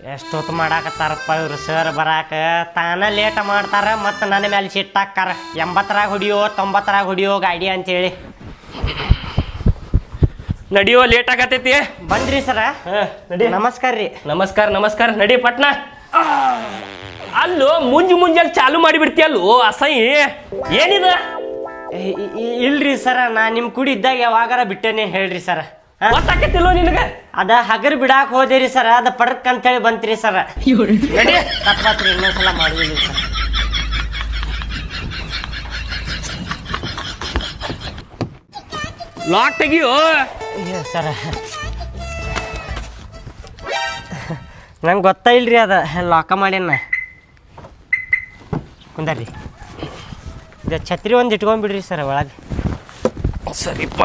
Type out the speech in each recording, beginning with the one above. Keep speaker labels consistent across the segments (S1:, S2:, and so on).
S1: ಎಷ್ಟೊತ್ತು ಮಾಡಾಕತ್ತಾರಪ್ಪ ಇವ್ರು ಸರ್ ಬರಾಕ ತಾನ ಲೇಟ್ ಮಾಡ್ತಾರ ಮತ್ತು ನನ್ನ ಮೇಲೆ ಸಿಟ್ಟಾಕ್ಕಾರ 80ರಾಗ ಹೊಡಿಯೋ 90ರಾಗ ಹೊಡಿಯೋ ಗಾಡಿ ಅಂತೇಳಿ
S2: ನಡಿಯೋ ಲೇಟ್ ಆಗತೈತಿ
S1: ಬಂದ್ರಿ ಸರ
S2: ನಡಿ
S1: ನಮಸ್ಕಾರ ರೀ
S2: ನಮಸ್ಕಾರ ನಡಿ ಪಟ್ನ ಅಲ್ಲೋ ಮುಂಜಾನೆ ಚಾಲು ಮಾಡಿಬಿಡ್ತೀಯಲ್ಲೋ ಅಸಹ್ಯ ಏನಿದ
S1: ಇಲ್ರಿ ಸರ ನಾ ನಿಮ್ಮ ಕುಡಿ ಇದ್ದಾಗ ಯಾವಾಗಾರ ಬಿಟ್ಟೇನೆ ಹೇಳ್ರಿ ಸರ
S2: ಗೊತ್ತಾಕತಿಲ್ಲೋ ನಿನಗ
S1: ಅದ ಹಗರ್ ಬಿಡಾಕ ಹೋದಿರಿ ಸರ ಅದ ಪಡಕ್ ಅಂತೇಳಿ ಬಂತ್ರಿ ಸರ
S2: ನಡಿ
S1: ತಪ್ಪಾತ್ರಿ ಇನ್ನೊಂದ್ಸಲ ಮಾಡುದಿಲ್ಲ ಸರ್
S2: ಲಾಕ್ ತೆಗಿಯೋ
S1: ಸರ ನಂಗೆ ಗೊತ್ತಾ ಇಲ್ರಿ ಅದ ಲಾಕ ಮಾಡ್ಯಾನ ಕುಂದರ್ರಿ ಇದು ಛತ್ರಿ ಒಂದು ಇಟ್ಕೊಂಡ್ಬಿಡ್ರಿ ಸರ್ ಒಳಗೆ
S2: ಸರಿಪ್ಪ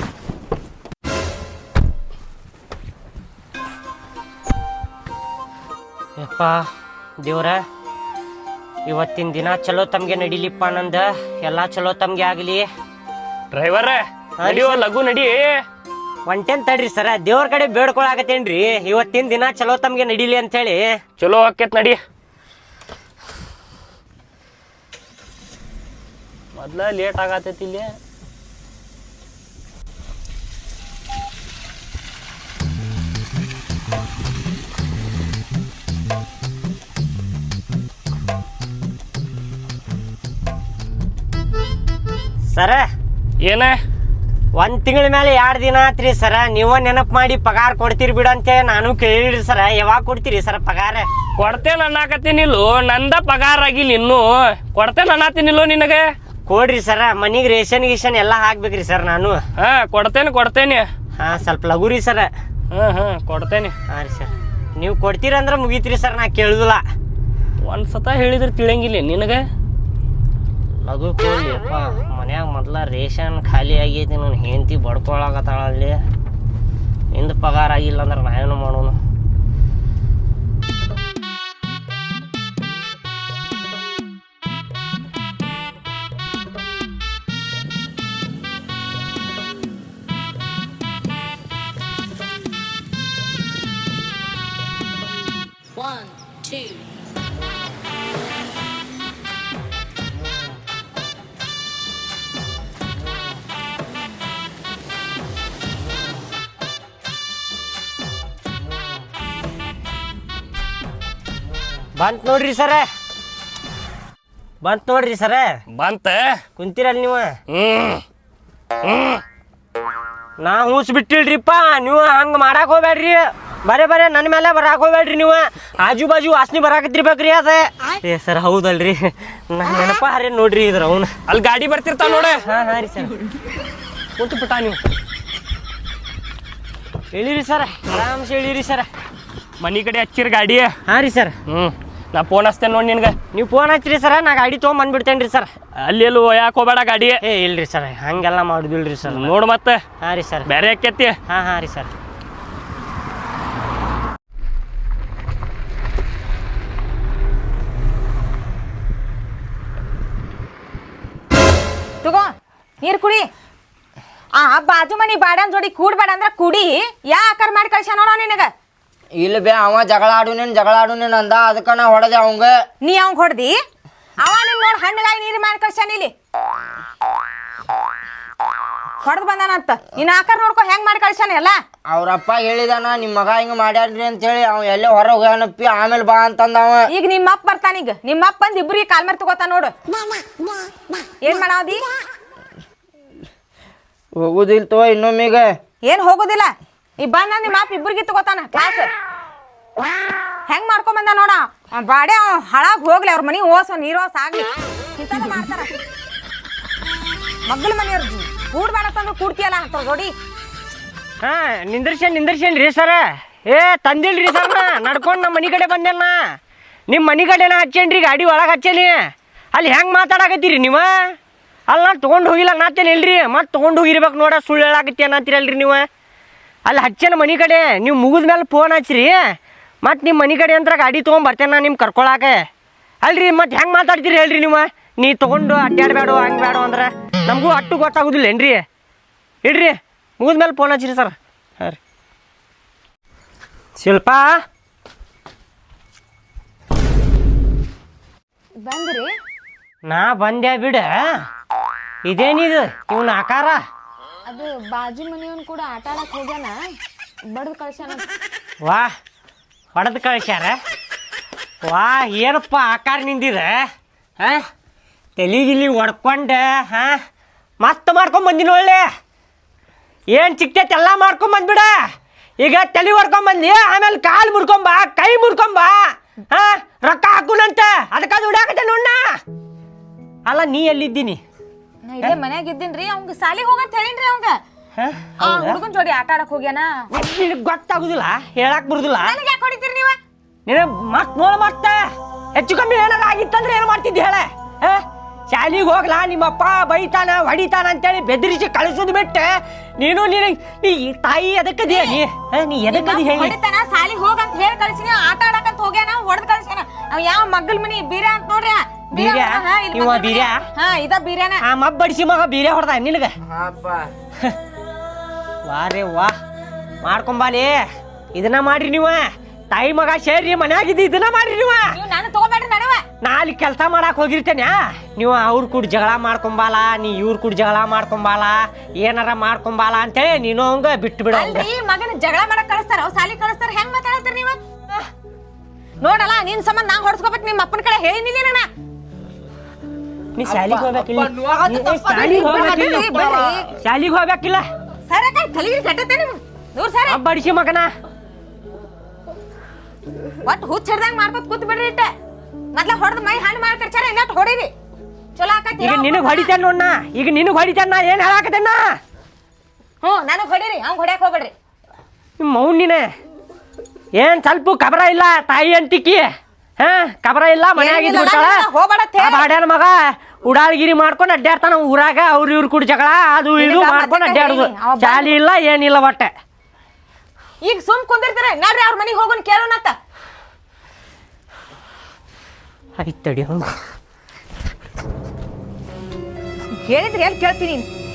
S1: ಯಪ್ಪ ದೇವ್ರ ಇವತ್ತಿನ ದಿನ ಚಲೋ ತಮ್ಗೆ ನಡಿಲಿಪ್ಪ ನಂದ ಎಲ್ಲ ಚಲೋ ತಮ್ಗೆ ಆಗಲಿ
S2: ಡ್ರೈವರ್ ನಡಿಯೋ ಲಘು ನಡಿ
S1: ಒಂಟೇನ್ ತಡ್ರಿ ಸರ ದೇವ್ರ ಕಡೆ ಬೇಡ್ಕೊಳಕತ್ತೇನ್ರಿ ಇವತ್ತಿನ ದಿನ ಚಲೋ ತಮ್ಗೆ ನಡಿಲಿ ಅಂತ ಹೇಳಿ
S2: ಚಲೋ ಆಕೇತ್ ನಡಿ ಮೊದ್ಲ ಲೇಟ್ ಆಗತೈತಿ ಇಲ್ಲಿ
S1: ಸರ
S2: ಏನ
S1: ಒಂದ್ ತಿಂಗಳ ಮೇಲೆ 2 ದಿನ ಆತ್ರಿ ಸರ ನೀವ ನೆನಪು ಮಾಡಿ ಪಗಾರ ಕೊಡ್ತೀರಿ ಬಿಡು ಅಂತ ನಾನು ಕೇಳಿರಿ ಸರ ಯಾವಾಗ ಕೊಡ್ತೀರಿ ಸರ ಪಗಾರ
S2: ಕೊಡ್ತೇನೆ ಅನ್ನಕತ್ತೀನಿಲ್ಲೋ ನಂದ ಪಗಾರ ಆಗಿಲ್ಲ ಇನ್ನು ಕೊಡ್ತೇನೆ ಅನ್ನತ್ತೀನಿಲ್ಲೋ ನಿನಗೆ
S1: ಕೊಡ್ರಿ ಸರ ಮನಿಗೆ ರೇಷನ್ ಗೀಷನ್ ಎಲ್ಲ ಹಾಕ್ಬೇಕ್ರಿ ಸರ್ ನಾನು
S2: ಕೊಡ್ತೇನೆ
S1: ಹಾ ಸ್ವಲ್ಪ ಲಘುರಿ ಸರ
S2: ಕೊಡ್ತೇನೆ
S1: ಹಾ ರೀ ಸರ್ ನೀವು ಕೊಡ್ತೀರಂದ್ರೆ ಮುಗೀತ್ರಿ ಸರ್ ನಾ ಕೇಳುದಿಲ್ಲ
S2: ಒಂದ್ಸತ ಹೇಳಿದ್ರೆ ತಿಳಿಯಂಗಿಲ್ಲ ನಿನಗೆ
S1: ಲಘು ಕೊಡ್ಲಿಪ್ಪ ಮನ್ಯಾಗ ಮೊದ್ಲ ರೇಷನ್ ಖಾಲಿ ಆಗೈತಿ ನನ್ನ ಹೆಂಡತಿ ಬಡ್ಕೊಳಕತ್ತಾಳಲ್ಲಿ ನಿಂದು ಪಗಾರ ಆಗಿಲ್ಲ ಅಂದ್ರೆ ನಾವೇನು ಮಾಡೋಣ ಬಂತ್ ನೋಡ್ರಿ ಸರ
S2: ಬಂತ
S1: ಕುಂತೀರಲ್ಲ ನೀವು ನಾ ಹೂಸ್ ಬಿಟ್ಟಿಲ್ರಿಪ್ಪ ನೀವು ಹಂಗ ಮಾಡಾಕ್ ಹೋಗ್ಬೇಡ್ರಿ ಬರೇ ನನ್ನ ಮೇಲೆ ಬರಾಕ್ ಹೋಗ್ಬೇಡ್ರಿ ನೀವು ಆಜು ಬಾಜು ವಾಸನೆ ಬರಾಕತ್ತಿರ್ಬೇಕ್ರಿ ಅದ ಏ ಸರ್ ಹೌದಲ್ರಿ ನನ್ನ ನೆನಪ ಹರೇ ನೋಡ್ರಿ ಇದ್ರ ಅವನು
S2: ಅಲ್ಲಿ ಗಾಡಿ ಬರ್ತಿರ್ತಾವ ನೋಡ
S1: ಹಾ ರೀ ಸರ್
S2: ಕುಂತು ಬಿಟ್ಟ ನೀವು
S1: ಹೇಳಿರಿ ಸರ್ ಆರಾಮ್ಸೆ ಹೇಳಿರಿ ಸರ್
S2: ಮನಿ ಕಡೆ ಹಚ್ಚಿರ ಗಾಡಿ
S1: ಹಾ ರೀ ಸರ್
S2: ನಾ ಫೋನ್ ಹಚ್ತೇನೆ ನೋಡಿ ನಿನ್ಗೆ
S1: ನೀವು ಫೋನ್ ಹಚ್ಚಿರಿ ಸರ ನಾ ಗಾಡಿ ತೊಗೊಂಬಂದ್ಬಿಡ್ತೇನೆ ರೀ ಸರ್
S2: ಅಲ್ಲಿ ಎಲ್ಲೂ ಯಾಕೆ ಹೋಗ್ಬೇಡ ಗಾಡಿ
S1: ಏ ಇಲ್ರಿ ಸರ್ ಹಂಗೆಲ್ಲ ಮಾಡುದಿಲ್ರಿ ಸರ್
S2: ನೋಡು ಮತ್ತೆ
S1: ಹಾ ರೀ ಸರ್
S2: ಬೇರೆ ಆಕೇತಿ
S1: ಹಾ ರೀ ಸರ್
S3: ತಗೋ ನೀರು ಕುಡಿ ಬಾಜು ಮನಿ ಬಾಡನ್ ಜೋಡಿ ಕೂಡ್ಬೇಡ ಅಂದ್ರ ಕುಡಿ ಯಾ ಆಕಾರ ಮಾಡಿ ಕಳ್ಸ ನೋಡೋ ನಿನಗ
S4: ಇಲ್ಲ ಬೇ ಅವ ಜಗಳ ಆಡುನೇನ್ ಅಂದ ಅದಕ್ಕ ನಾ ಹೊಡೆದೆ ಅವಂಗ
S3: ನೀ ಅವಂಗ ಹೊಡ್ದಿ ಅವ ನಿನ್ ನೋಡ್ ಹಣ್ಣಗಾಗಿ ನೀರು ಮಾಡಿ ಕಳ್ಸಾನ ಇಲ್ಲಿ ಹೊಡೆದ್ ಬಂದಾನಂತ ನಿನ್ನ ಆಕಾರ ನೋಡ್ಕೊ ಹೆಂಗ್ ಮಾಡಿ ಕಳ್ಸಾನ ಎಲ್ಲ
S4: ಅವ್ರಪ್ಪ ಹೇಳಿದಾನ ನಿಮ್ ಮಗ ಹಿಂಗ ಮಾಡ್ಯಾಡ್ರಿ ಅಂತ ಹೇಳಿ ಅವ ಎಲ್ಲೇ ಹೊರ ಹೋಗ್ಯಾನಪ್ಪಿ ಆಮೇಲೆ ಬಾ ಅಂತಂದ ಅವ
S3: ಈಗ ನಿಮ್ಮ ಅಪ್ಪ ಬರ್ತಾನೀಗ ನಿಮ್ಮ ಅಪ್ಪ ಬಂದ್ ಇಬ್ರಿಗೆ ಕಾಲ್ ಮೇಲೆ ತಗೋತಾನ ನೋಡು ಏನ್ ಮಾಡಾವದಿ
S4: ಹೋಗುದಿಲ್ ತೋ ಇನ್ನೊಮ್ಮೀಗ
S3: ಏನ್ ಹೋಗುದಿಲ್ಲ ಈ ಬಂದ ನಿಮ್ಮ ಅಪ್ಪ ಇಬ್ರಿಗೆ ತಗೋತಾನ ಕ್ಲಾಸ್ ಹೆಂಗ್ ಮಾಡ್ಕೊಂಡ್ ಬಂದ ನೋಡ ಬಾಡೆ ಹಳಾಗ್ ಹೋಗ್ಲಿ ಅವ್ರ ಮನಿ ಓಸೋ ನೀರೋಸ್ ಆಗ್ಲಿ ಇಂಥದ್ದು ಮಾಡ್ತಾರ ಮಗ್ಳ ಮನೆಯವ್ರ ಕೂಡ್ಬೇಡ ತಂದ್ರೆ ಕೂಡ್ತಿಯಲ್ಲ ಅಂತ ಜೋಡಿ
S1: ಹಾ ನಿಂದರ್ಸೇನ್ ರೀ ಸರ ಏ ತಂದಿಲ್ರಿ ಸರ್ ನಾ ನಡ್ಕೊಂಡು ನಮ್ಮ ಮನೆ ಕಡೆ ಬಂದೇನ ನಿಮ್ಮ ಮನೆ ಕಡೆನ ಹಚ್ಚೇನ್ರಿ ಗಾಡಿ ಒಳಗೆ ಹಚ್ಚೇನಿ ಅಲ್ಲಿ ಹೆಂಗೆ ಮಾತಾಡಕತ್ತೀರಿ ನೀವು ಅಲ್ಲಿ ನಾನು ತೊಗೊಂಡು ಹೋಗಿಲ್ಲ ನಾತೇನೆ ಇಲ್ರಿ ಮತ್ತೆ ತೊಗೊಂಡು ಹೋಗಿರ್ಬೇಕು ನೋಡ ಸುಳ್ಳು ಹೇಳಾಕತ್ತಿ ಅನ್ನತ್ತೀರಲ್ರಿ ನೀವು ಅಲ್ಲಿ ಹಚ್ಚೇನ ಮನೆ ಕಡೆ ನೀವು ಮುಗಿದ ಮೇಲೆ ಫೋನ್ ಹಚ್ಚಿರಿ ಮತ್ತು ನಿಮ್ಮ ಮನೆ ಕಡೆ ಅಂತ ಗಾಡಿ ತೊಗೊಂಬರ್ತೇನೆ ನಾನು ನಿಮ್ಮ ಕರ್ಕೊಳಾಕ ಅಲ್ರಿ ಮತ್ತೆ ಹೆಂಗೆ ಮಾತಾಡ್ತೀರಿ ಹೇಳ್ರಿ ನೀವು ನೀ ತೊಗೊಂಡು ಅಡ್ಡಾಡಬೇಡ ಹಂಗೆ ಬೇಡ ಅಂದ್ರೆ ನಮಗೂ ಅಟ್ಟು ಗೊತ್ತಾಗೋದಿಲ್ಲ ಏನ್ರಿ ಇಡ್ರಿ ಮುಗಿದ್ಮೇಲೆ ಫೋನ್ ಹಚ್ಚಿರಿ ಸರ್ ಹಾಂ ರೀ ಶಿಲ್ಪ
S3: ಬಂದ್ರಿ
S1: ನಾ ಬಂದೆ ಬಿಡ. ಇದೇನಿದು ಇವನ ಆಕಾರ?
S3: ಅದು ಬಾಜು ಮನೆಯವನ್ ಕೂಡ ಆಟ ಆಡಕ್ ಹೋಗ್ಯಾನ, ಬಡ್ದು ಕಳ್ಸ್ಯಾನ.
S1: ವಾ ಹೊಡೆದು ಕಳ್ಸ್ಯಾರ. ವಾ ಏನಪ್ಪ ಆಕಾರ ನಿಂದಿದೆ ಹಾಂ, ತಲೆಗಿಲಿ ಹೊಡ್ಕೊಂಡೆ ಹಾಂ, ಮಸ್ತ್ ಮಾಡ್ಕೊಂಬಂದಿನ ಒಳ್ಳೆ. ಏನು ಸಿಕ್ತೈತೆ ಎಲ್ಲ ಮಾಡ್ಕೊಂಬಂದ್ಬಿಡ. ಈಗ ತಲೆ ಹೊಡ್ಕೊಂಬಂದು ಆಮೇಲೆ ಕಾಲು ಮುರ್ಕೊಂಬ, ಕೈ ಮುರ್ಕೊಂಬ ಹಾಂ, ರೊಕ್ಕ ಹಾಕುನಂತ ಅದಕ್ಕೆ ದುಡ್ಯಾಕತ್ತೆ ನೋಡ. ಅಲ್ಲ ನೀ ಎಲ್ಲಿದ್ದೀನಿ?
S3: ನಾ ಇಲ್ಲೇ ಮನ್ಯಾಗ ಇದ್ದೀನ್ರಿ. ಅವಂಗ ಸಾಲಿಗೆ ಹೋಗಂತ ಹೇಳಿನ್ರಿ. ಅವಂಗ ಹುಡುಗನ್ ಜೋಡಿ ಆಟ ಆಡಕ್ ಹೋಗ್ಯಾನ.
S1: ನಿನಗೆ ಗೊತ್ತಾಗುದಿಲ್ಲ, ಹೇಳಕ್ ಬರುದಿಲ್ಲ.
S3: ನನಗೆ ಯಾಕೆ ಹೊಡಿತೀರಿ ನೀವು?
S1: ನೀನು ಮತ್ ನೋಡ ಮತ್ತೆ ಹೆಚ್ಚು ಕಮ್ಮಿ ಏನಾರ ಆಗಿತ್ತಂದ್ರೆ ಏನು ಮಾಡ್ತಿದ್ದಿ ಹೇಳ? ಶಾಲಿಗೆ ಹೋಗ್ಲಾ ನಿಮ್ಮಪ್ಪ ಬೈತಾನ ಹೊಡಿತಾನ ಅಂತೇಳಿ ಬೆದರಿಸಿ ಕಳಿಸೋದು ಬಿಟ್ಟೆ ನೀನು ನೀ ತಾಯಿ ಎದಕ್ಕದಿಯ ನೀ ಎದಕ್ಕದಿ ಹೇಳಿ?
S3: ಹೊಡಿತಾನ ಸಾಲಿಗೆ ಹೋಗಂತ ಹೇಳಿ ಕಳ್ಸಿನ, ಆಟ ಆಡಕಂತ ಹೋಗ್ಯಾನ, ಹೊಡೆದ್ ಕಳ್ಸ್ಯಾನ. ಅವ್ ಯಾವ ಮಗ್ಗಲ್ ಮನಿ ಬೀರ ಅಂತ ನೋಡ್ರಿ.
S1: ಬೀರ್ಯಾ?
S3: ಹಾ ಇದ ಬೀರ್ಯಾನ.
S1: ಆ ಮಬ್ಬ ಬಡಿಸಿ ಮಗ ಬೀರ್ಯ ಹೊಡೆದ ನಿನಗ? ವಾರೇ ವಾ ಮಾಡ್ಕೊಂಬಾಲಿ. ಇದನ್ನ ಮಾಡ್ರಿ ನೀವ ತಾಯಿ ಮಗ ಸೇರಿ ಮನ್ಯಾಗಿದ್ದು ಇದನ್ನ ಮಾಡ್ರಿ ನೀವು
S3: ನಾನು ತಗೋಬೇಡ್ರಿ ನಡುವ.
S1: ನಾ ಅಲ್ಲಿ ಕೆಲಸ ಮಾಡಕ್ ಹೋಗಿರ್ತೇನೆ, ನೀವು ಅವ್ರ ಕೂಡ ಜಗಳ ಮಾಡ್ಕೊಂಬಾಲ, ನೀ ಇವ್ರ ಕೂಡ ಜಗಳ ಮಾಡ್ಕೊಂಬಾಲ, ಏನಾರ ಮಾಡ್ಕೊಂಬಾಲ ಅಂತೇಳಿ ನೀನು ಹಂಗ ಬಿಟ್ಟು ಬಿಡ.
S3: ಮಗನ ಜಗಳ ಮಾಡಕ್ ಕಳಿಸ್ತಾರ, ಅವ್ ಸಾಲಿ ಕಳಿಸ್ತಾರ. ಹೆಂಗ್ ಮಾತಾಡ್ತಾರ ನೀವು? ನೋಡಲ್ಲ ನಿನ್ ಸಂಬಂಧ ನಾ ಹೊಡ್ಸ್ಕೋಬೇಕು. ನಿಮ್ಮ ಅಪ್ಪನ ಕಡೆ ಹೇಳಿನಿಲ್ಲ ನಾನು.
S1: ನೀ ಶಾಲಿಗೆ ಹೋಗ್ಬೇಕಿಲ್ಲ, ಶಾಲಿಗೆ ಹೋಗ್ಬೇಕಿಲ್ಲ.
S3: ಸರ ತಲೆಗೆ ಕಟ್ಟತ್ತೆ ನೀವು ದೂರ ಸರ.
S1: ಬಡಿಸಿ ಮಗನ
S3: ಒಟ್ಟು ಹುಚ್ಚ ಹಿಡ್ದಂಗ್ ಮಾಡ್ಕೊತ ಕೂತ್ ಬಿಡ್ರಿ. ಇಟ್ಟ ಮೊದ್ಲ ಹೊಡೆದ್ ಮೈ ಹಣ್ಣು ಮಾಡಿ ಕಡ್ಚಾರ, ಇನ್ನೊಟ್ಟು ಹೊಡೀರಿ ಚಲೋ ಆಕತಿ.
S1: ಈಗ ನಿನಗ್ ಹೊಡಿತೇನೆ ನೋಡ್ನ, ಈಗ ನಿನಗ್ ಹೊಡಿತೇನ. ಏನ್ ಹೇಳಾಕತ್ತೇನ?
S3: ನನಗ್ ಹೊಡೀರಿ, ಅವ್ನ್ ಹೊಡ್ಯಾಕ್ ಹೋಗ್ಬೇಡ್ರಿ.
S1: ನಿಮ್ಮ ಮೌನಿನ ಏನ್ ಸ್ವಲ್ಪ ಕಬರ ಇಲ್ಲ ತಾಯಿ ಅಂತಿಕ್ಕಿ. ಕಬರ ಇಲ್ಲ ಮನ್ಯಾಗಿದ್ದು ಬಿಡ್ತಾಳ. ಬಾಡ್ಯಾನ ಮಗ ಉಡಾಳ್ಗಿರಿ ಮಾಡ್ಕೊಂಡು ಅಡ್ಡಾಡ್ತಾನ ಊರಾಗ. ಅವ್ರ ಇವ್ರ ಕೂಡ ಜಗಳ ಅದು ಇದು ಮಾಡ್ಕೊಂಡು ಅಡ್ಡಾಡುದು. ಶಾಲಿ ಇಲ್ಲ ಏನಿಲ್ಲ ಒಟ್ಟೆ.
S3: ಈಗ ಸುಮ್ ಕುಂದಿರ್ತೀರ ನೋಡ್ರಿ, ಅವ್ರ ಮನಿಗೆ ಹೋಗೋನ್ ಕೇಳೋಣತ್ತ.
S1: ಆಯ್ತು ತಡಿ, ಹಂಗ
S3: ಹೇಳಿದ್ರಿ ಎಲ್ಲಿ ಕೇಳ್ತೀನಿ.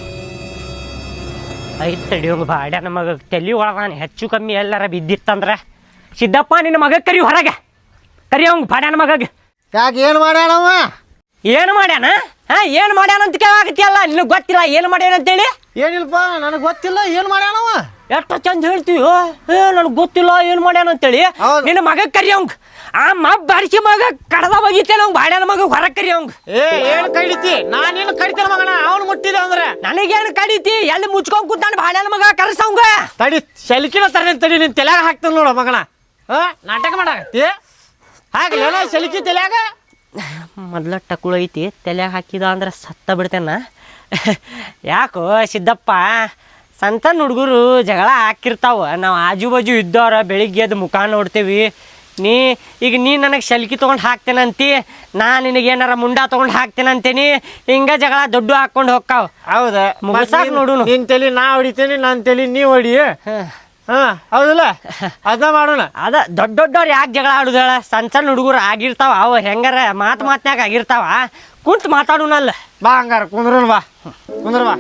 S1: ಆಯ್ತು ತಡಿ, ಹಂಗ ಬಾಡ್ಯಾನ ಮಗ ತಲೆ ಒಳಗಾನ ಹೆಚ್ಚು ಕಮ್ಮಿ ಎಲ್ಲಾರ ಬಿದ್ದಿತ್ತಂದ್ರ ಸಿದ್ದಪ್ಪ ನಿನ್ನ ಮಗ ಕರಿ ಹೊರಗೆ ಕರಿ. ಅವಂಗ ಬಾಡ್ಯಾನ ಮಗಗ
S4: ಯಾಕೆ ಏನು ಮಾಡ್ಯಾನವ?
S1: ಏನು ಮಾಡ್ಯಾನ? ಏನು ಮಾಡ್ಯಾನ ಅಂತ ಕೇಳಾಕತ್ತಿಯಲ್ಲ, ನಿನಗೆ ಗೊತ್ತಿಲ್ಲ ಏನು ಮಾಡ್ಯಾನ ಅಂತೇಳಿ?
S4: ಏನಿಲ್ಲಪ್ಪ, ನನಗೆ ಗೊತ್ತಿಲ್ಲ ಏನು ಮಾಡ್ಯಾನವ.
S1: ಎಷ್ಟು ಚಂದ ಹೇಳ್ತೀವಿ, ನನಗೆ ಗೊತ್ತಿಲ್ಲ ಏನು ಮಾಡ್ಯಾನ ಅಂತೇಳಿ. ನಿನ್ನ ಮಗ ಕರಿ ಅವಂಗ. ಆ ಬಡಿಸಿ ಮಗ ಕಡದ ಹೋಗಿತ್ತೇನೆ ಅವಂಗ ಬಾಡ್ಯಾನ ಮಗ ಹೊರಗೆ ಕರಿ ಅವಂಗ.
S4: ಏನು ಕಡಿತಿ? ನಾನೇನು ಕಡಿತೇನೆ ಮಗನ, ಅವನು ಮುಟ್ಟಿದ ಅಂದ್ರೆ
S1: ನನಗೇನು ಕಡಿತಿ? ಎಲ್ಲಿ ಮುಚ್ಕೊಂಡ್ ಕೂತಾನ ಬಾಡ್ಯಾನ ಮಗ ಕರ್ಸವಂಗ.
S4: ತಡಿ ಸೆಲ್ಕಿನ ತರನೇ ತಡಿ, ನಿನ್ ತಲೆಯಾಗ ಹಾಕ್ತಾನ ನೋಡ ಮಗನ. ನಾಟಕ ಮಾಡಾಕತ್ತಿ ಹಾಗಲ್ಲ ಸೆಲ್ಕಿ ತಲೆಯಾಗ.
S1: ಮೊದ್ಲ ಟಕುಳ ಐತಿ, ತಲೆಯಾಗ ಹಾಕಿದ ಅಂದ್ರೆ ಸತ್ತ ಬಿಡ್ತೇನ. ಯಾಕೋ ಸಿದ್ದಪ್ಪ, ಸಣ್ಣ ಹುಡುಗರು ಜಗಳ ಹಾಕಿರ್ತಾವ. ನಾವು ಆಜು ಬಾಜು ಇದ್ದವ್ರ ಬೆಳಿಗ್ಗೆ ಎದ್ದು ಮುಖ ನೋಡ್ತೇವಿ. ಈಗ ನೀ ನನಗೆ ಸೆಲ್ಕಿ ತೊಗೊಂಡು ಹಾಕ್ತೇನಂತಿ, ನಾ ನಿನಗೇನಾರ ಮುಂಡ ತೊಗೊಂಡು ಹಾಕ್ತೇನಂತೇನಿ. ಹಿಂಗ ಜಗಳ ದೊಡ್ಡ ಹಾಕ್ಕೊಂಡು ಹೋಗ್ತಾವ.
S4: ಹೌದಾ?
S1: ಮುಗಿಸಾಕ್ ನೋಡು.
S4: ನಿನ್ ತಲೆ ನಾ ಹೊಡಿತೇನೆ, ನನ್ನ ತಲೆ ನೀ ಹೊಡಿ. ಹೌದಲ್ಲ, ಅದ ಮಾಡೋಣ.
S1: ಅದ ದೊಡ್ಡವ್ರು ಯಾಕೆ ಜಗಳ ಆಡುದ? ಸಣ್ಣ ಹುಡುಗರು ಆಗಿರ್ತಾವ, ಅವು ಹೆಂಗಾರ ಮಾತ್ನ್ಯಾಗ ಆಗಿರ್ತಾವ. ಕುಂತು ಮಾತಾಡೋಣಲ್ಲ.
S4: ಬಾ ಹಂಗಾರ ಕುಂದ್ರ ಬಾ, ಕುಂದ್ರ ಬಾ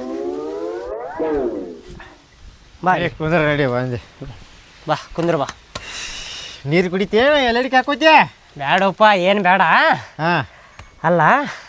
S1: ಬಾ
S4: ಕುಂದ್ರ ರೆಡಿ ಬಂದೆ.
S1: ಬಾ ಕುಂದ್ರ ಬಾ.
S4: ನೀರು ಕುಡಿತೇನ? ಎಲ್ಲಡಿಗೆ ಹಾಕೋತಿಯ?
S1: ಬೇಡಪ್ಪ, ಏನು ಬೇಡ. ಅಲ್ಲ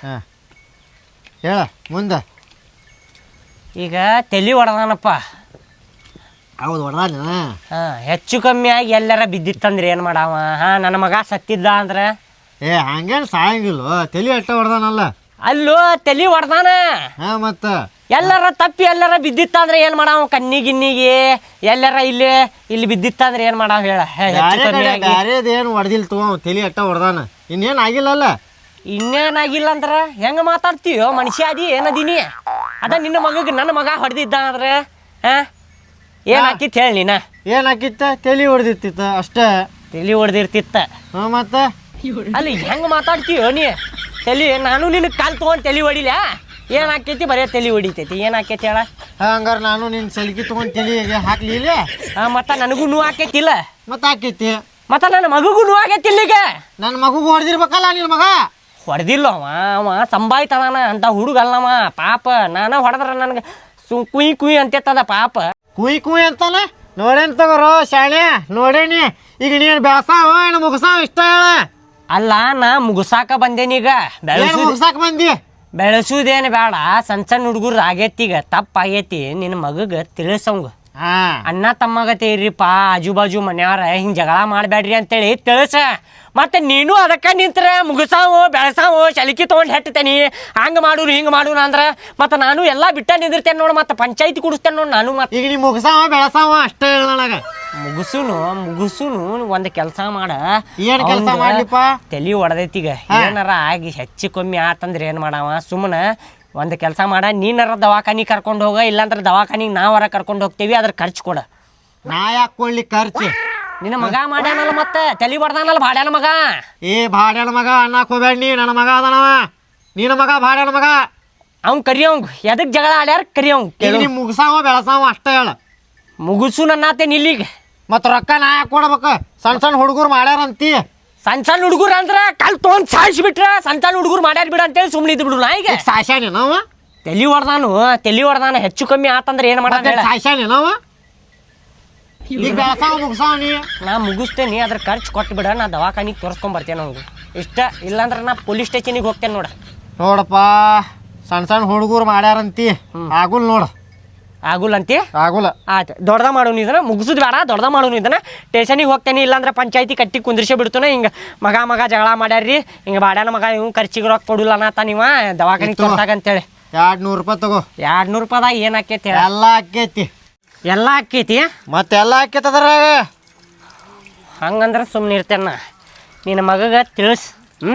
S4: ಹೇಳ ಮುಂದೆ.
S1: ಈಗ ತಲೆ ಹೊಡೆದಾನಪ್ಪ.
S4: ಹೌದು ಹೊಡೆದಾನ.
S1: ಹೆಚ್ಚು ಕಮ್ಮಿ ಆಗಿ ಎಲ್ಲಾರ ಬಿದ್ದಿತ್ತಂದ್ರೆ ಏನು ಮಾಡಾವ? ನನ್ನ ಮಗ ಸತ್ತಿದ್ದ ಅಂದ್ರೆ
S4: ಹಂಗೇನು ಸಾಯಂಗಿಲ್ಲ, ತಲೆ ಅಟ್ಟ ಹೊಡೆದಾನಲ್ಲ.
S1: ಅಲ್ಲೋ ತಲೆ ಹೊಡೆದಾನ,
S4: ಮತ್ತೆ
S1: ಎಲ್ಲಾರ ತಪ್ಪಿ ಎಲ್ಲಾರ ಬಿದ್ದಿತ್ತಂದ್ರೆ ಏನು ಮಾಡಾವ? ಕಣ್ಣಿಗಿನ್ನಿಗೆ ಎಲ್ಲಾರ ಇಲ್ಲಿ ಬಿದ್ದಿತ್ತಂದ್ರೆ ಏನು ಮಾಡಾವ ಹೇಳ?
S4: ಬ್ಯಾರೇದೇನು ಹೊಡೆದಿಲ್ಲ ತಗೋ, ತಲೆ ಅಟ್ಟ ಹೊಡೆದಾನ. ಇನ್ನೇನು ಆಗಿಲ್ಲಲ್ಲ?
S1: ಇನ್ನೇನಾಗಿಲ್ಲ ಅಂದ್ರೆ ಹೆಂಗೆ ಮಾತಾಡ್ತೀವೋ? ಮನುಷ್ಯ ಅದಿ ಏನದೀನಿ? ಅದ ನಿನ್ನ ಮಗಗೆ ನನ್ನ ಮಗ ಹೊಡೆದಿದ್ದ ಅಂದ್ರೆ ಏನು ಹಾಕಿತ್ತು ಹೇಳಿ ನೀನ?
S4: ಏನು ಹಾಕಿತ್ತ? ತಲೆ ಹೊಡೆದಿರ್ತಿತ್ತ ಅಷ್ಟೇ.
S1: ತಲೆ ಹೊಡೆದಿರ್ತಿತ್ತ?
S4: ಮತ್ತೆ
S1: ಅಲ್ಲಿ ಹೆಂಗೆ ಮಾತಾಡ್ತೀವೋ ನೀ? ತಲೆ ನಾನು ನಿನಗೆ ಕಾಲು ತೊಗೊಂಡು ತಲೆ ಹೊಡಿಲ? ಏನು ಹಾಕೈತಿ? ಬರೀ ತಲೆ ಹೊಡಿತೈತಿ. ಏನು ಹಾಕೈತಿ ಹೇಳ?
S4: ಹಂಗಾರೆ ನಾನು ನಿನ್ನ ಸೆಲ್ಕಿ ತೊಗೊಂಡು ತಲೆಗೆ ಹಾಕ್ಲಿಲ್ಲ?
S1: ಮತ್ತು ನನಗೂ ನೋವು ಹಾಕೈತಿಲ್ಲ?
S4: ಮತ್ತೆ ಹಾಕೈತಿ.
S1: ಮತ್ತು ನನ್ನ ಮಗುಗೂ ನೋವು ಆಗೈತಿಲ್ಲ? ಈಗ
S4: ನನ್ನ ಮಗುಗೂ ಹೊಡೆದಿರ್ಬೇಕಲ್ಲ ನಿನ್ನ ಮಗ?
S1: ಹೊಡೆದಿಲ್ಲ ಅವ ಸಂಭಾಯ್ತದಾನ ಅಂತ ಹುಡುಗಲ್ಲವ ಪಾಪ. ನಾನು ಹೊಡೆದ್ರೆ ನನಗೆ ಕುಯ್ ಕುಯ್ ಅಂತೇತದ ಪಾಪ.
S4: ಕುಯ್ ಕುಯ್ ಅಂತಾನ? ನೋಡೇನು ತಗೋರೋ ಶಾಣೆ, ನೋಡೇನಿ. ಈಗ ನೀನು ಬೆಳಸಾವ ಏನು ಮುಗಸಾವ ಇಷ್ಟ ಹೇಳ?
S1: ಅಲ್ಲ ನಾ ಮುಗಿಸಾಕ ಬಂದೇನೀಗ
S4: ಏನು ಮುಗ್ಸಾಕ್ ಬಂದಿ
S1: ಬೆಳೆಸುದೇನು ಬೇಡ ಸಣ್ಣ ಸಣ್ಣ ಹುಡುಗರು ಆಗೈತಿ ಈಗ ತಪ್ಪಾಗೈತಿ ನಿನ್ನ ಮಗಗೆ ತಿಳಿಸಂಗ
S4: ಹಾ
S1: ಅಣ್ಣ ತಮ್ಮಗತೆ ಇರ್ರಿಪ್ಪ ಆಜು ಬಾಜು ಮನ್ಯಾರ ಹಿಂಗೆ ಜಗಳ ಮಾಡಬೇಡ್ರಿ ಅಂತೇಳಿ ತಿಳಿಸ ಮತ್ತೆ ನೀನು ಅದಕ್ಕೆ ನಿಂತ್ರೆ ಮುಗಿಸಾವು ಬೆಳೆಸಾವು ಶಲಿಕಿ ತೊಗೊಂಡು ಹೆಟ್ಟತೇನಿ ಹಂಗೆ ಮಾಡೂರು ಹಿಂಗೆ ಮಾಡೂನು ಅಂದ್ರೆ ಮತ್ತೆ ನಾನು ಎಲ್ಲ ಬಿಟ್ಟ ನಿಂದಿರ್ತೇನೆ ನೋಡು ಮತ್ತೆ ಪಂಚಾಯತಿ ಕುಡಿಸ್ತೇನೆ ನೋಡಿ ನಾನು ಮತ್ತೆ
S4: ಈಗ ನೀ ಮುಗ್ಸಾವ ಬೆಳಸಾವ ಅಷ್ಟೇ ಹೇಳ ನನಗೆ
S1: ಮುಗಿಸುನು ಒಂದು ಕೆಲಸ ಮಾಡ
S4: ಏನ್ ಕೆಲ್ಸ ಮಾಡ್ಲಿಪ್ಪ?
S1: ತಲೆ ಹೊಡೆದೈತಿಗ ಏನಾರ ಆಗಿ ಹೆಚ್ಚು ಕಮ್ಮಿ ಆತಂದ್ರೆ ಏನು ಮಾಡವ ಸುಮ್ಮನೆ ಒಂದು ಕೆಲಸ ಮಾಡ ನೀನಾರ ದವಾಖಾನಿಗೆ ಕರ್ಕೊಂಡು ಹೋಗ ಇಲ್ಲಾಂದ್ರೆ ದವಾಖಾನಿಗೆ ನಾವರ ಕರ್ಕೊಂಡು ಹೋಗ್ತೀವಿ ಅದ್ರ ಖರ್ಚು ಕೊಡ
S4: ನಾ ಯಾಕೆ ಕೊಡ್ಲಿ ಖರ್ಚು
S1: ನಿನ್ನ ಮಗ ಮಾಡ್ಯಾನಲ್ಲ ಮತ್ತೆ ತಲೆ ಹೊಡೆದಾನಲ್ಲ ಭಾಡ್ಯಾನ ಮಗ
S4: ಏ ಭಾಡ್ಯಾನ ಮಗ ಅನ್ನಕ್ ಹೋಗ್ಬೇಡ ನೀ ನನ್ನ ಮಗ ಅದನವ ನಿನ್ನ ಮಗ ಭಾಡ್ಯಾನ ಮಗ
S1: ಅವ್ನು ಕರಿಯವಂಗ ಎದಕ್ಕೆ ಜಗಳ ಆಡ್ಯಾರ ಕರಿಯವಂಗ
S4: ಈಗ ನೀ ಮುಗ್ಸಾವ ಬೆಳಸಾವ ಅಷ್ಟೇ ಹೇಳ
S1: ಮುಗಿಸು ನನ್ನಾತೇನೆ ಇಲ್ಲಿಗೆ
S4: ಮತ್ತು ರೊಕ್ಕ ನಾ ಯಾಕೆ ಕೊಡ್ಬೇಕು ಸಣ್ಣ ಸಣ್ಣ ಹುಡುಗರು ಮಾಡ್ಯಾರಂತಿ
S1: ಸಣ್ಣ ಸಣ್ಣ ಹುಡುಗರು ಅಂದ್ರೆ ಕಲ್ ತೊಗೊಂಡು ಸಾಯಿಸ್ಬಿಟ್ರೆ ಸಣ್ಣ ಸಣ್ಣ ಹುಡುಗರು ಮಾಡ್ಯಾರ ಬಿಡ ಅಂತೇಳಿ ಸುಮ್ಮನೆ ಇದ್ದು ಬಿಡು ನಾ ಈಗ
S4: ಸಾಯ್ಸಾನೆ ನಾವ
S1: ತಲೆ ಹೊಡೆದಾನು ಹೆಚ್ಚು ಕಮ್ಮಿ ಆತಂದ್ರೆ ಏನು ಮಾಡ
S4: ಸಾಯ್ಸಾನೆ ನಾವ ಈಗ ಬೆಳಸಾವ ಮುಗ್ಸಾವ ನೀ
S1: ನಾ ಮುಗಿಸ್ತೇನೆ ಅದ್ರ ಖರ್ಚು ಕೊಟ್ಟು ಬಿಡ ನಾ ದವಾಖಾನಿಗೆ ತೋರಿಸ್ಕೊಂಬರ್ತೇನೆ ಅವ್ಗೆ ಇಷ್ಟ ಇಲ್ಲಾಂದ್ರೆ ನಾ ಪೊಲೀಸ್ ಸ್ಟೇಷನಿಗೆ ಹೋಗ್ತೇನೆ ನೋಡ
S4: ನೋಡಪ್ಪ ಸಣ್ಣ ಸಣ್ಣ ಹುಡುಗರು ಮಾಡ್ಯಾರಂತಿ ಆಗುಲ್ ನೋಡು
S1: ಆಗುಲ್ಲ ಅಂತಿ
S4: ಆಗುಲ್ಲ
S1: ಆಯ್ತು ದೊಡ್ಡದ ಮಾಡೋನು ಇದನ್ನ ಮುಗಿಸೋದು ಬೇಡ ದೊಡ್ಡದ ಮಾಡೋನು ಇದನ್ನ ಸ್ಟೇಷನಿಗೆ ಹೋಗ್ತೇನೆ ಇಲ್ಲಾಂದ್ರೆ ಪಂಚಾಯತಿ ಕಟ್ಟಿ ಕುಂದ್ರಿಸೇ ಬಿಡ್ತಾನೆ ಹಿಂಗೆ ಮಗ ಜಗಳ ಮಾಡ್ಯಾರ್ರಿ ಹಿಂಗೆ ಬಾಡ್ಯಾನ ಮಗ ಇವ್ ಖರ್ಚಿಗೆ ರೊಕ್ಕ ಕೊಡಲ್ಲ ಅನ್ನತ್ತ ನೀವ ದವಾಖಾನಿಗೆ ತೋರ್ಸಾಗಂತೇಳಿ
S4: 200 ರೂಪಾಯಿ ತಗೋ
S1: 200 ರೂಪಾಯಿದಾಗ ಏನು ಆಕೈತಿ
S4: ಎಲ್ಲ ಆಕೈತಿ
S1: ಎಲ್ಲ ಆಕೈತಿ
S4: ಮತ್ತೆಲ್ಲ ಆಕೈತಿ ಅದ್ರಾಗ
S1: ಹಂಗಂದ್ರೆ ಸುಮ್ಮನೆ ಇರ್ತೇನ ನಿನ್ನ ಮಗಗೆ ತಿಳಿಸ್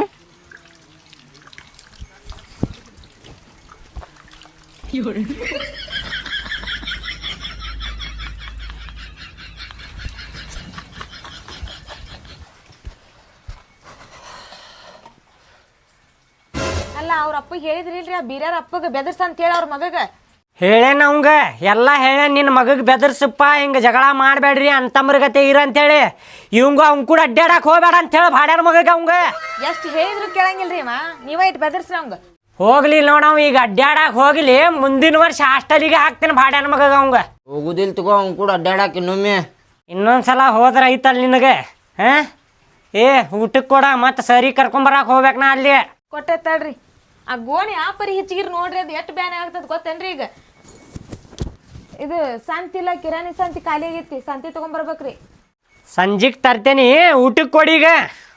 S3: ಅಲ್ಲ ಅವ್ರ ಅಪ್ಪಗೆ ಹೇಳಿದ್ರಿಲ್ರಿ ಆ ಬೀರ್ಯಾರ ಅಪ್ಪಗೆ ಬೆದರ್ಸ ಅಂತ ಹೇಳಿ ಅವ್ರ ಮಗಗ
S1: ಹೇಳೇನ ಅವಂಗ ಎಲ್ಲ ಹೇಳೇನ್ ನಿನ್ನ ಮಗಗೆ ಬೆದರ್ಸಪ್ಪ ಹಿಂಗೆ ಜಗಳ ಮಾಡಬೇಡ್ರಿ ಅಂತಮ್ರಗತೆ ಇರ ಅಂತೇಳಿ ಇವಂಗ ಅವ್ನ ಕೂಡ ಅಡ್ಡಾಡಕ್ಕೆ ಹೋಗ್ಬೇಡ ಅಂತೇಳಿ ಭಾಡ್ಯಾನ ಮಗಗೆ ಅವಂಗ
S3: ಎಷ್ಟು ಹೇಳಿದ್ರು ಕೇಳಂಗಿಲ್ರಿ ಅಮ್ಮ ನೀವ ಇಟ್ಟು ಬೆದರ್ಸ್ರಿ ಅವಂಗ
S1: ಹೋಗ್ಲಿ ನೋಡವ್ ಈಗ ಅಡ್ಡಾಡಕ್ಕೆ ಹೋಗ್ಲಿ ಮುಂದಿನ ವರ್ಷ ಹಾಸ್ಟೆಲಿಗೆ ಹಾಕ್ತೇನೆ ಭಾಡ್ಯಾನ ಮಗಗೆ ಅವಂಗ
S5: ಹೋಗುದಿಲ್ ತಗೋ ಅವ್ನು ಕೂಡ ಅಡ್ಡಾಡಕ್ಕೆ ಇನ್ನೊಮ್ಮೆ
S1: ಇನ್ನೊಂದ್ಸಲ ಹೋದ್ರೆ ಐತಲ್ಲ ನಿನಗೆ ಹಾಂ ಏ ಊಟಕ್ಕೆ ಕೊಡ ಮತ್ತೆ ಸರಿ ಕರ್ಕೊಂಬರಕ್ಕೆ ಹೋಗ್ಬೇಕು ನಾ ಅಲ್ಲಿ
S3: ಕೊಟ್ಟೆ ತಡ್ರಿ ಆ ಗೋಣಿ ಆ ಪರಿ ಹೆಚ್ಚಿಗಿರ್ ನೋಡ್ರಿ ಅದು ಎಷ್ಟು ಬ್ಯಾನೆ ಆಗ್ತದ ಗೊತ್ತೇನ್ರಿ ಈಗ ಇದು ಸಂತಿ ಇಲ್ಲ ಕಿರಾಣಿ ಸಂತಿ ಖಾಲಿ ಆಗೈತಿ ಸಂತಿ ತಗೊಂಬರ್ಬೇಕ್ರಿ
S1: ಸಂಜೆಗೆ ತರ್ತೇನಿ ಊಟಕ್ಕೆ ಕೊಡಿ ಈಗ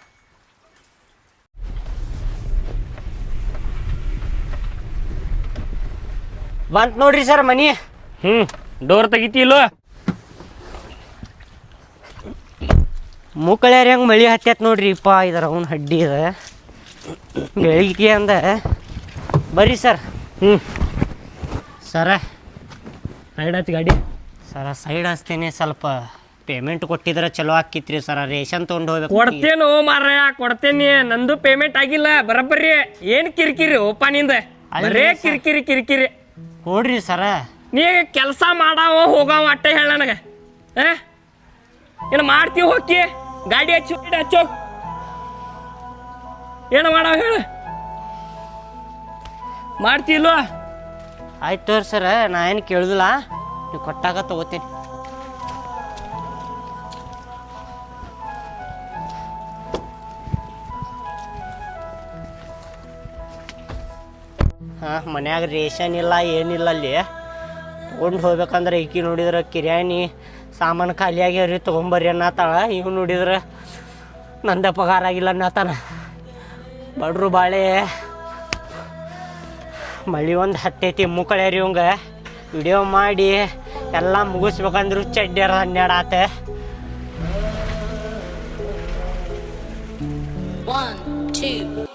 S1: ಬಂತು ನೋಡ್ರಿ ಸರ್ ಮನಿ
S2: ಡೋರ್ ತೆಗಿತಿಲ್ಲೋ
S1: ಮುಕ್ಕಳ್ಯಾರ ಹೆಂಗೆ ಮಳಿ ಹತ್ತೈತೆ ನೋಡ್ರಿ ಇಪ್ಪ ಇದರ ಅವ್ನ ಹಡ್ಡಿ ಇದೆ ಬೆಳಿಗ್ಗೆ ಅಂದ ಬರ್ರಿ ಸರ್ ಸರ
S2: ಸೈಡ್ ಹಚ್ಚಿ ಗಾಡಿ
S1: ಸರ ಸೈಡ್ ಹಚ್ತೇನೆ ಸ್ವಲ್ಪ ಪೇಮೆಂಟ್ ಕೊಟ್ಟಿದ್ರೆ ಚಲೋ ಆಕಿತ್ರಿ ಸರ ರೇಷನ್ ತೊಗೊಂಡು ಹೋಗ್ಬೇಕು
S2: ಕೊಡ್ತೇನು ಮಾರ್ರೆ ಕೊಡ್ತೇನಿ ನಂದು ಪೇಮೆಂಟ್ ಆಗಿಲ್ಲ ಬರಬ್ಬರಿ ಏನು ಕಿರಿಕಿರಿ ಓಪ ನಿಂದ ಬರೇ ಕಿರಿಕಿರಿ
S1: ಕೊಡ್ರಿ ಸರ
S2: ನೀ ಕೆಲಸ ಮಾಡಾವ ಹೋಗಾವ ಅಟ್ಟೆ ಹೇಳ ನನಗೆ ಏನು ಮಾಡ್ತೀವಿ ಹೋಗಿ ಗಾಡಿ ಹಚ್ಚೋ ಏನು ಮಾಡಾವ ಹೇಳು ಮಾಡ್ತಿಲ್ವ
S1: ಆಯ್ತು ತೋರಿ ಸರ ನಾ ಏನು ಕೇಳುದಿಲ್ಲ ನೀವು ಕೊಟ್ಟಾಗ ತಗೋತೀನಿ ಹಾಂ ಮನ್ಯಾಗ ರೇಷನ್ ಇಲ್ಲ ಏನಿಲ್ಲ ಅಲ್ಲಿ ತೊಗೊಂಡು ಹೋಗ್ಬೇಕಂದ್ರೆ ಈಕಿ ನೋಡಿದ್ರೆ ಕಿರಾಣಿ ಸಾಮಾನು ಖಾಲಿ ಆಗ್ಯಾವ್ರಿ ತೊಗೊಂಬರ್ರಿ ಅನ್ನತ್ತಾಳ ಇವ್ ನೋಡಿದ್ರೆ ನಂದ ಪಗಾರ ಆಗಿಲ್ಲ ಅನ್ನತ್ತಾನ ಬಡ್ರು ಬಾಳೆ ಮಳಿ ಒಂದು ಹತ್ತೈತಿ ಮುಕ್ಕಳ್ಯಾರಿ ಇವಂಗ ವಿಡಿಯೋ ಮಾಡಿ ಎಲ್ಲ ಮುಗಿಸ್ಬೇಕಂದ್ರು ಚಡ್ಡ್ಯಾರ 12 ಆತ
S6: 1 2